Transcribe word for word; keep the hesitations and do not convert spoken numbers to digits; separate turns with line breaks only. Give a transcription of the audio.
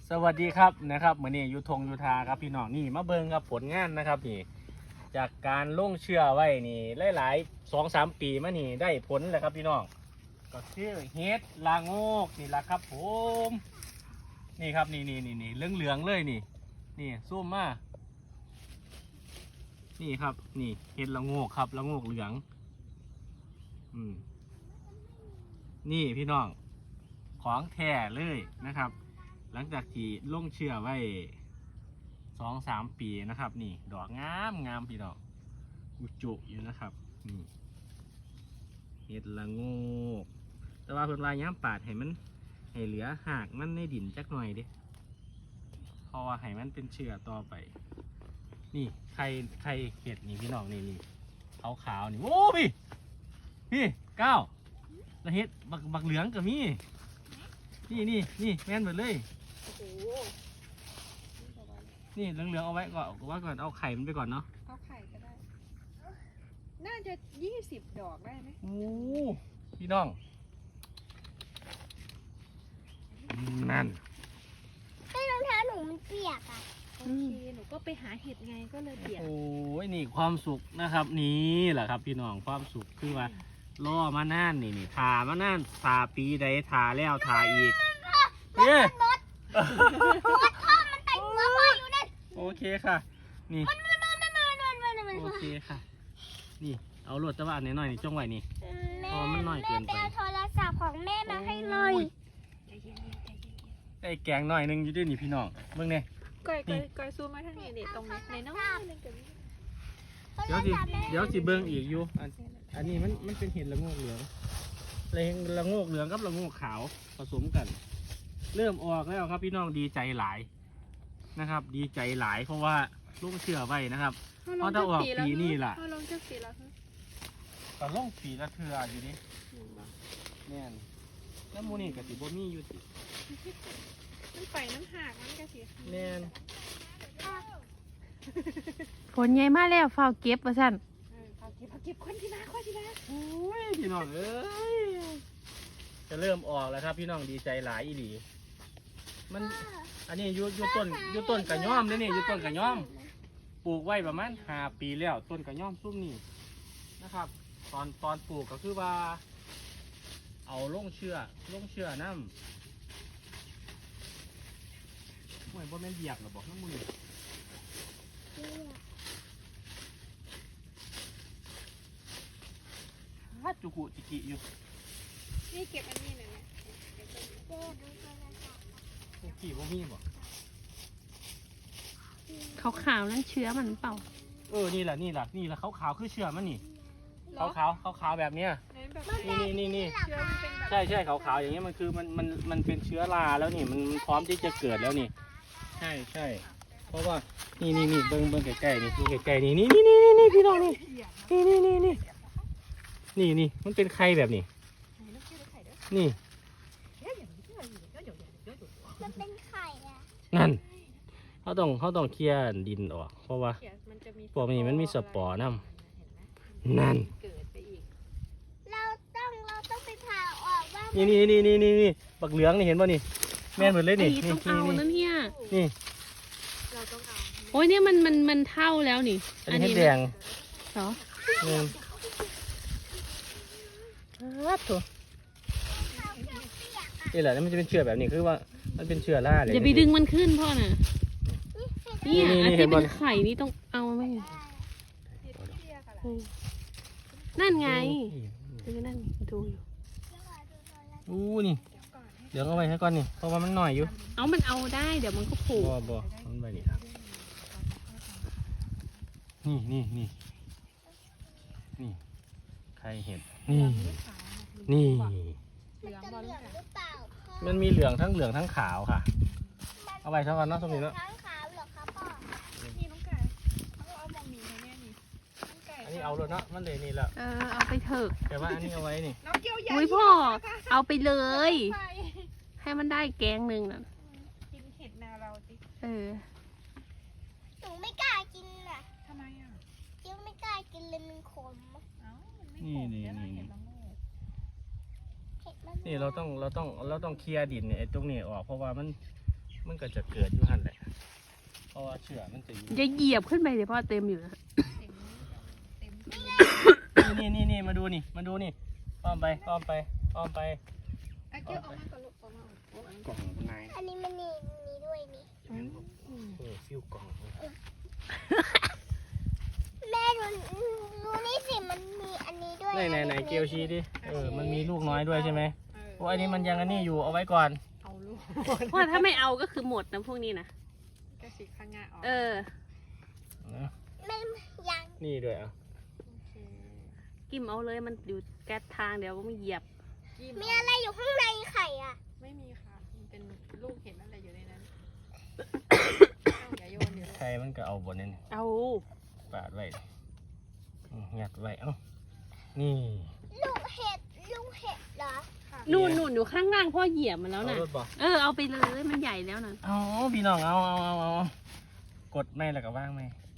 สวัสดีครับนะครับเหมือนนี่ยูทงยูทาครับพี่น้องนี่มาเบิ่งครับผลงานนะครับนี่จากการลงเชื่อไว้นี่หลายๆสองสามปีมานี่ได้ผลเลยครับพี่น้องก็คือเฮ็ดลาโงกนี่แหละครับผมนี่ครับนี่นี่นี่นี่เหลืองเหลืองเลยนี่นี่ซูมมานี่ครับนี่เฮ็ดละโงกครับละโงกเหลืองอืมนี่พี่น้องของแท้เลยนะครับหลังจากที่ลงเชื่อไว้สองสามปีนะครับนี่ดอกงามงามพี่ดอกอุจุอยู่นะครับนี่เห็ดละโงกแต่ว่าเพิ่นว่าย้ำปาดให้มันให้เหลือหากมันในดินจักหน่อยดิเพราะว่าให้มันเป็นเชื้อต่อไปนี่ไข่ไข่เห็ดนี่พี่น้องนี่นี่ขาวขาวนี่โอ้พี่พี่ก้าวแล้วเห็ดบักบักเหลืองกับมี่นี่นี่นี่แม่นหมดเลยนี่เหลืองๆเอาไว้ก่อนเอาไว้ก่อนเอาไข่มันไปก่อนเนาะ
เอาไข่ก็ได้น่าจะยี่สิบดอกได้ไหม
โอ้พี่น้องนั่น
ให้รองเท้าหนูมันเปียกอ่ะ
โอเคหนูก็ไปหาเห็ดไงก็เลยเปียก
โอ้ยนี่ความสุขนะครับนี่แหละครับพี่น้องความสุขคือว่าล่อมาน่านนี่นี่ทามาน่านทาปีใดทาแล้วทาอีกเอ๊ะโอเคค่ะนี่โอเคค่ะนี่เอาโหลดตะวันหน่อยๆนี่จ้องไว้นี่พอมันน้อยเกินไป
แม่โทรศัพท์ของแม่มาให้เลย
ไอ้แกงหน่อยนึงอยู่ด้วยนี่พี่น้องเบิ่งเนี่ย
ก้อยก้อยก้อยซูมมาทางนี้เด็ดตรงนี้ในน้องนึงกับ
เดี๋ยวสิเดี๋ยวสิเบิ่งอีกอยู่อันอันนี้มันมันเป็นเห็ดละโงกเหลืองเลยละโงกเหลืองกับละโงกขาวผสมกันเริ่มออกแล้วครับพี่น้องดีใจหลายนะครับดีใจหลายเพราะว่าลูกเชื่อไว้นะครับเพราะถ้าออกปีนี่ล่ะ
ลงจะปีแล้ว
ก็ลงปีละเทื่ออยู่นี่แน่นแล้วมูนี่กับสิบ่มีอยู่ติ
มันไปน้ำหักมันกะสิ
แน่น
ฝนใหญ่มาแล้วฝ้าเก็บว่าซั่น
เอาเก็บเอาเก็บคนที่มาคนที่มา
โอ้ยพี่น้องเอ้ยจะเริ่มออกแล้วครับพี่น้องดีใจหลายอีหลีมันอันนี้ยุยุต้นยุต้นกระย่อมเลยนี่ยุต้นกระย่อมปลูกไว้ประมาณห้าปีแล้วต้นกระย่อมซุ้มนี่นะครับตอนตอนปลูกก็คือว่าเอาลงเชื่อลงเชื่อน้ำเหมือนว่าแม่นเหยียบหรอบอกน้ำมือฮัดจุกุจิกิอยู่
นี่เก็บอันนี้หน่อยไหม
กี่ว่ามีบ่
ขาวๆนั่นเชื้อมันเปล่า
เออนี่แหละนี่แหละนี่แหละขาวๆคือเชื้อมันนี่ขาวขาวขาวขาวแบบเนี้ยนี่นี่นี่นี่ใช่ใช่ขาวขาวอย่างเงี้ยมันคือมันมันมันเป็นเชื้อราแล้วนี่มันพร้อมที่จะเกิดแล้วนี่ใช่ใช่เพราะว่านี่นี่นี่เบิ้งเบิ้งใกล้ๆนี่นี่ใกล้ๆนี่นี่นี่นี่นี่พี่น้องนี่นี่นี่นี่นี่นี่นี่มันเป็นไข่แบบนี้นี่
มันเป็นไข่อะ
นั่นเขาต้องเขาต้องเคลียร์ดินออกเพราะว่าพวกนี้มันมีสปอร์น้ำนั่น
เราต้องเราต้องไปผ่าออกว่า
นี่นี่นี่นี่นี่นี่บักเหลืองนี่เห็นป่ะนี่แม่นหมดเลยนี่
นี่ต้องเอานั่นเฮีย
นี่
เราต้องเอา
โอ้ยเนี่ยมันมันมันเท่าแล้วนี่
อันนี้แดง
เหรอ
นี่แหละมันจะเป็นเชื้อแบบนี้คือว่ามันเป็นเชื้อราเลย
อย่าไปดึงมันขึ้นพ่อน่ะนี่อันที่เป็นไข่นี่ต้องเอาไหมนั่นไงคือนั่นดูอยู่
อู้นี่เดี๋ยวเอาไว้ให้ก่อนนี่เพราะว่ามันหน่อยอยู่
เอามันเอาได้เดี๋ยวมันก็ผูก
บ่บ่มันไปนี่นี่นี่นี่นี่ใครเห็นนี่นี่มันมีเหลืองทั้งเหลืองทั้งขาวค่ะเอาไปเท่ากันเนาะสมมติเนาะ
ทั้งขาวเหรอครับพ่อ
นี่น้องไก่เขาเอามองหนีให้แม่นี่น้องไก่
อันนี้เอาเลยเนาะมันเลยนี่แหละ
เออเอาไปเถอะ
แต่ว่าอันนี้เอาไว้นี่
น้องเกี่ยวใหญ่
อุ้ยพ่อเอาไปเลยให้มันได้แกงหนึ่งน่ะ
กินเห็ดนาเราสิ
เออ
หนูไม่กล้ากินอ่ะ
ทำไมอ่ะ
จิ้วไม่กล้ากินเลยมันขม
เอ้า
นี่นี่นี่นี่เราต้องเราต้องเราต้องเคลียร์ดินเนี่ยตรงนี้ออกเพราะว่ามันมันก็จะเกิดอยู่หันแหละเพราะว่าเชื้อมันจะอยู่
อย่าเหยียบขึ้นไปเลยพ่อเต็มอยู่นะ
เต็มเต็มที่
นี่นี่นี่มาดูนี่มาดูนี่อ้อมไปอ้อมไปอ้อมไป
อ่ะเกี่ยวออกมาก่อนลูกออกมาโอ้ย
กล่องนาย
อันนี้มันนี่มีด้วยนี่
เออฟิวกล่อง
แม่ดูดูนี่สิมันมีอันนี้ด้วย
ไหนไหนไหนเกลชี้ดิเออมันมีลูกน้อยด้วยใช่ไหม
เออ
โอ้อันนี้มันยังอันนี้อยู่เอาไว้ก่อน
เอาลูก
เพราะถ้าไม่เอาก็คือหมดนะพวกนี้นะ
ก็ฉีกข้างหน้าออก
เออ
นะ
แม่ยัง
นี่ด้วยอ่ะ
โอเค
กิมเอาเลยมันอยู่แก๊สทางเดี๋ยวก็ไม่เหยียบ
จิ้ม
มีอะไรอยู่ข้างในไข่อ่ะ
ไม่มีค่ะมันเป็นลูกเห็นอะไรอยู่ในนั้นเอาอย่าโยนเดี๋ยวลูก
ใครมันก็เอาบนนี้
เอา
ปาดไว้อืมงัดไว้เอ้านี่
ลูกเห็ดลูกเห็ดเหรอ
ค่ะ
นู่นนู่นอยู่ข้างล่างพ่อเหยียบมันแล้ว
เอา
นะ
รถบอก
เออเอาไปเลยมันใหญ่แล้วนะ
เอาพี่น้องเอาเอาเอาเอากดไม่แล้วก็ว่างไม่